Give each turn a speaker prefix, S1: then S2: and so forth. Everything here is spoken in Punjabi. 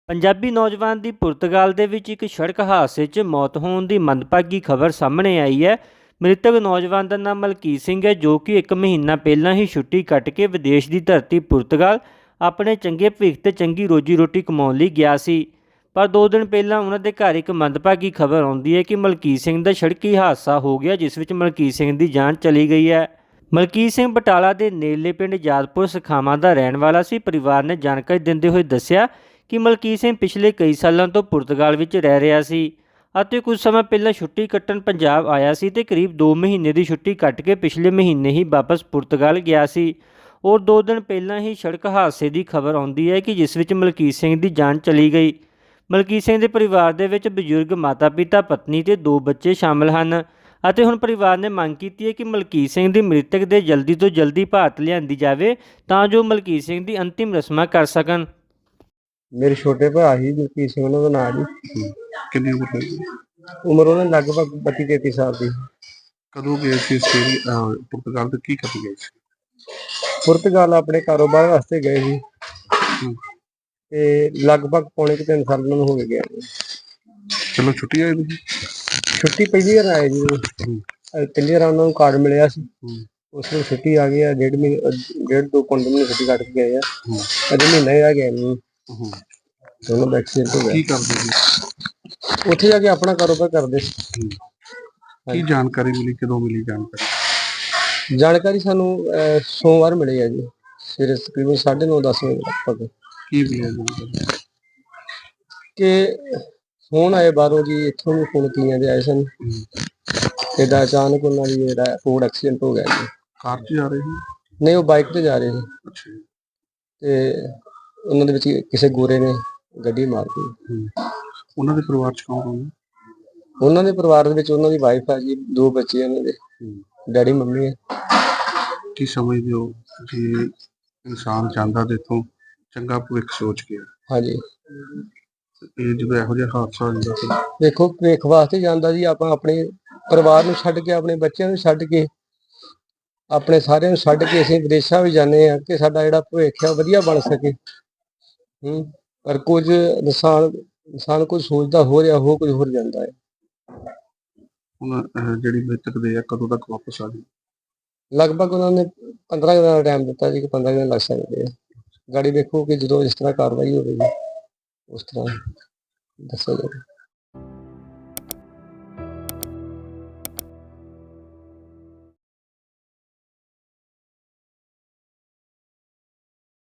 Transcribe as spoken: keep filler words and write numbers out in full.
S1: ਪੰਜਾਬੀ ਨੌਜਵਾਨ ਦੀ ਪੁਰਤਗਾਲ ਦੇ ਵਿੱਚ ਇੱਕ ਸੜਕ ਹਾਦਸੇ 'ਚ ਮੌਤ ਹੋਣ ਦੀ ਮੰਦਭਾਗੀ ਖਬਰ ਸਾਹਮਣੇ ਆਈ ਹੈ। ਮ੍ਰਿਤਕ ਨੌਜਵਾਨ ਦਾ ਨਾਮ ਮਲਕੀਤ ਸਿੰਘ ਹੈ, ਜੋ ਕਿ ਇੱਕ ਮਹੀਨਾ ਪਹਿਲਾਂ ਹੀ ਛੁੱਟੀ ਕੱਟ ਕੇ ਵਿਦੇਸ਼ ਦੀ ਧਰਤੀ ਪੁਰਤਗਾਲ ਆਪਣੇ ਚੰਗੇ ਭਵਿੱਖ ਤੇ ਚੰਗੀ ਰੋਜੀ ਰੋਟੀ ਕਮਾਉਣ ਲਈ ਗਿਆ ਸੀ। ਪਰ ਦੋ ਦਿਨ ਪਹਿਲਾਂ ਉਹਨਾਂ ਦੇ ਘਰ ਇੱਕ ਮੰਦਭਾਗੀ ਖਬਰ ਆਉਂਦੀ ਹੈ ਕਿ ਮਲਕੀਤ ਸਿੰਘ ਦਾ ਸੜਕੀ ਹਾਦਸਾ ਹੋ ਗਿਆ, ਜਿਸ ਵਿੱਚ ਮਲਕੀਤ ਸਿੰਘ ਦੀ ਜਾਨ ਚਲੀ ਗਈ ਹੈ। ਮਲਕੀਤ ਸਿੰਘ ਬਟਾਲਾ ਦੇ ਨੇੜਲੇ ਪਿੰਡ ਯਾਦਪੁਰ ਸਖਾਵਾਂ ਦਾ ਰਹਿਣ ਵਾਲਾ ਸੀ। ਪਰਿਵਾਰ ਨੇ ਜਾਣਕਾਰੀ ਦਿੰਦੇ ਹੋਏ ਦੱਸਿਆ ਕਿ ਮਲਕੀਤ ਸਿੰਘ ਪਿਛਲੇ ਕਈ ਸਾਲਾਂ ਤੋਂ ਪੁਰਤਗਾਲ ਵਿੱਚ ਰਹਿ ਰਿਹਾ ਸੀ ਅਤੇ ਕੁਝ ਸਮਾਂ ਪਹਿਲਾਂ ਛੁੱਟੀ ਕੱਟਣ ਪੰਜਾਬ ਆਇਆ ਸੀ ਤੇ ਕਰੀਬ ਦੋ ਮਹੀਨੇ ਦੀ ਛੁੱਟੀ ਕੱਟ ਕੇ ਪਿਛਲੇ ਮਹੀਨੇ ਹੀ ਵਾਪਸ ਪੁਰਤਗਾਲ ਗਿਆ ਸੀ। ਔਰ ਦੋ ਦਿਨ ਪਹਿਲਾਂ ਹੀ ਸੜਕ ਹਾਦਸੇ ਦੀ ਖਬਰ ਆਉਂਦੀ ਹੈ ਕਿ ਜਿਸ ਵਿੱਚ ਮਲਕੀਤ ਸਿੰਘ ਦੀ ਜਾਨ ਚਲੀ ਗਈ। ਮਲਕੀਤ ਸਿੰਘ ਦੇ ਪਰਿਵਾਰ ਦੇ ਵਿੱਚ ਬਜ਼ੁਰਗ ਮਾਤਾ-ਪਿਤਾ, ਪਤਨੀ ਤੇ ਦੋ ਬੱਚੇ ਸ਼ਾਮਲ ਹਨ ਅਤੇ ਹੁਣ ਪਰਿਵਾਰ ਨੇ ਮੰਗ ਕੀਤੀ ਹੈ ਕਿ ਮਲਕੀਤ ਸਿੰਘ ਦੀ ਮ੍ਰਿਤਕ ਦੇ ਜਲਦੀ ਤੋਂ ਜਲਦੀ ਭਾਰਤ ਲਿਆਂਦੀ ਜਾਵੇ ਤਾਂ ਜੋ ਮਲਕੀਤ ਸਿੰਘ ਦੀ ਅੰਤਿਮ ਰਸਮਾਂ ਕਰ ਸਕਣ।
S2: ਮੇਰੇ ਛੋਟੇ ਭਰਾ ਸੀ ਮਲਕੀਤ ਸਿੰਘ, ਉਹਨਾਂ ਦਾ ਨਾਂ ਜੀ।
S3: ਕਿੰਨੀ ਉਮਰ ਹੈ?
S2: ਉਮਰ ਉਹਨਾਂ ਦੀ ਲਗਭਗ ਬੱਤੀ ਤੇਤੀ ਸਾਲ ਦੀ।
S3: ਕਦੋਂ ਗਏ ਸੀ ਆਸਟ੍ਰੇਲੀਆ ਪੁਰਤਗਾਲ ਤੇ ਕੀ ਕਰਨ ਗਏ ਸੀ?
S2: ਪੁਰਤਗਾਲ ਆਪਣੇ ਕਾਰੋਬਾਰ ਵਾਸਤੇ ਗਏ ਸੀ
S3: ਹਮ,
S2: ਤੇ ਲਗਭਗ ਪੌਣੇ ਕੁ ਤਿੰਨ ਸਾਲ ਉਹਨਾਂ ਨੂੰ ਹੋ ਗਏ ਗਿਆ।
S3: ਚਲੋ ਛੁੱਟੀ ਆਏ ਤੁਸੀਂ?
S2: ਛੁੱਟੀ ਪਹਿਲੀ ਵਾਰ ਆਏ ਜੀ।
S3: ਹਮ,
S2: ਅਹ ਪਹਿਲੀ ਵਾਰ ਉਹਨਾਂ ਨੂੰ ਕਾਰਡ ਮਿਲਿਆ ਸੀ,
S3: ਹਮ,
S2: ਉਸ ਨੂੰ ਛੁੱਟੀ ਆ ਗਈ ਆ। ਡੇਢ ਮਹੀਨੇ ਅਹ ਡੇਢ ਦੋ ਪੰਜ ਮਹੀਨੇ ਛੁੱਟੀ ਕੱਟ ਕੇ ਗਏ ਆ।
S3: ਹਮ,
S2: ਅਜੇ ਮਹੀਨਾ ਹੀ ਆ ਗਿਆ ਨੂੰ
S3: ਹਮ।
S2: ਦੋਨੋਂ ਦਾ ਐਕਸੀਡੈਂਟ ਹੋ
S3: ਕੀ
S2: ਗਿਆ।
S3: ਕਰਦੇ ਸੀ?
S2: ਉੱਥੇ ਜਾ ਕੇ ਆਪਣਾ ਕਾਰੋਬਾਰ ਕਰਦੇ ਸੀ।
S3: ਹਮ, ਕੀ ਜਾਣਕਾਰੀ ਮਿਲੀ, ਕਦੋਂ ਮਿਲੀ ਜਾਣਕਾਰੀ?
S2: ਜਾਣਕਾਰੀ ਸਾਨੂੰ ਅਹ ਸੋਮਵਾਰ ਮਿਲੀ ਹੈ ਜੀ, ਸਵੇਰੇ ਤਕਰੀਬਨ ਸਾਢੇ ਨੌ ਦਸ ਵਜੇ ਲਗਭਗ,
S3: ਕੀ ਮਿਲਿਆ ਜਾਣਕਾਰੀ?
S2: ਕਿ ਫੋਨ ਆਏ ਬਾਹਰੋਂ ਜੀ, ਇੱਥੋਂ ਵੀ ਫੋਨ ਕੀਆਂ ਦੇ ਆਏ ਸਨ।
S3: ਹਮ,
S2: ਏਦਾਂ ਅਚਾਨਕ ਉਹਨਾਂ ਦੀ ਜਿਹੜਾ ਫੋਰਡ ਐਕਸੀਡੈਂਟ ਹੋ ਗਿਆ ਜੀ।
S3: ਕਾਰ 'ਚ ਜਾ ਰਹੇ ਸੀ?
S2: ਨਹੀਂ, ਉਹ ਬਾਈਕ ਤੇ ਜਾ ਰਹੇ ਸੀ
S3: ਅੱਛਾ ਜੀ।
S2: ਤੇ ਉਹਨਾਂ ਦੇ ਵਿੱਚ ਕਿਸੇ ਗੋਰੇ ਨੇ ਗੱਡੀ ਮਾਰ ਦਿੱਤੀ।
S3: ਹਮ, ਉਹਨਾਂ ਦੇ ਪਰਿਵਾਰ 'ਚ ਕੌਣ ਕੌਣ ਹੈ?
S2: ਉਹਨਾਂ ਦੇ ਪਰਿਵਾਰ ਦੇ ਵਿੱਚ ਉਹਨਾਂ ਦੀ ਵਾਈਫ ਹੈ ਜੀ, ਦੋ ਬੱਚੇ ਉਹਨਾਂ ਦੇ,
S3: ਹਮ,
S2: ਡੈਡੀ ਮੰਮੀ ਹੈ।
S3: ਕੀ ਸਮਝਦੇ ਹੋ ਜੇ ਇਨਸਾਨ ਜਾਂਦਾ ਤੇ ਇੱਥੋਂ ਚੰਗਾ ਭਵਿੱਖ ਸੋਚ ਕੇ,
S2: ਹਾਂਜੀ,
S3: ਇਹ ਜਦੋਂ ਇਹੋ ਜਿਹਾ ਹਾਦਸਾ ਹੋ ਜਾਂਦਾ ਫਿਰ?
S2: ਦੇਖੋ ਭਵਿੱਖ ਵਾਸਤੇ ਜਾਂਦਾ ਜੀ। ਆਪਾਂ ਆਪਣੇ ਪਰਿਵਾਰ ਨੂੰ ਛੱਡ ਕੇ, ਆਪਣੇ ਬੱਚਿਆਂ ਨੂੰ ਛੱਡ ਕੇ, ਆਪਣੇ ਸਾਰਿਆਂ ਨੂੰ ਛੱਡ ਕੇ ਅਸੀਂ ਵਿਦੇਸ਼ਾਂ ਵੀ ਜਾਂਦੇ ਹਾਂ ਕਿ ਸਾਡਾ ਜਿਹੜਾ ਭਵਿੱਖ ਆ ਵਧੀਆ ਬਣ ਸਕੇ। ਹੂੰ ਪਰ ਕੁਝ ਇਨਸਾਨ ਇਨਸਾਨ ਕੁਝ ਸੋਚਦਾ ਹੋ ਰਿਹਾ, ਹੋ ਕੁਝ ਹੋਰ ਜਾਂਦਾ ਹੈ।
S3: ਹੁਣ ਅਹ, ਜਿਹੜੀ ਮ੍ਰਿਤਕ ਦੇ ਆ ਕਦੋਂ ਤੱਕ ਵਾਪਸ ਆ ਜਾਊ?
S2: ਲਗਭਗ ਉਹਨਾਂ ਨੇ ਪੰਦਰਾਂ ਦਿਨਾਂ ਦਾ ਟਾਈਮ ਦਿੱਤਾ ਜੀ ਕਿ ਪੰਦਰਾਂ ਦਿਨ ਲੱਗ ਸਕਦੇ ਆ। ਗਾੜੀ ਵੇਖੋ ਕਿ ਜਦੋਂ ਜਿਸ ਤਰ੍ਹਾਂ ਕਾਰਵਾਈ ਹੋਵੇਗੀ ਉਸ ਤਰ੍ਹਾਂ ਦੱਸਿਆ ਜਾਵੇ।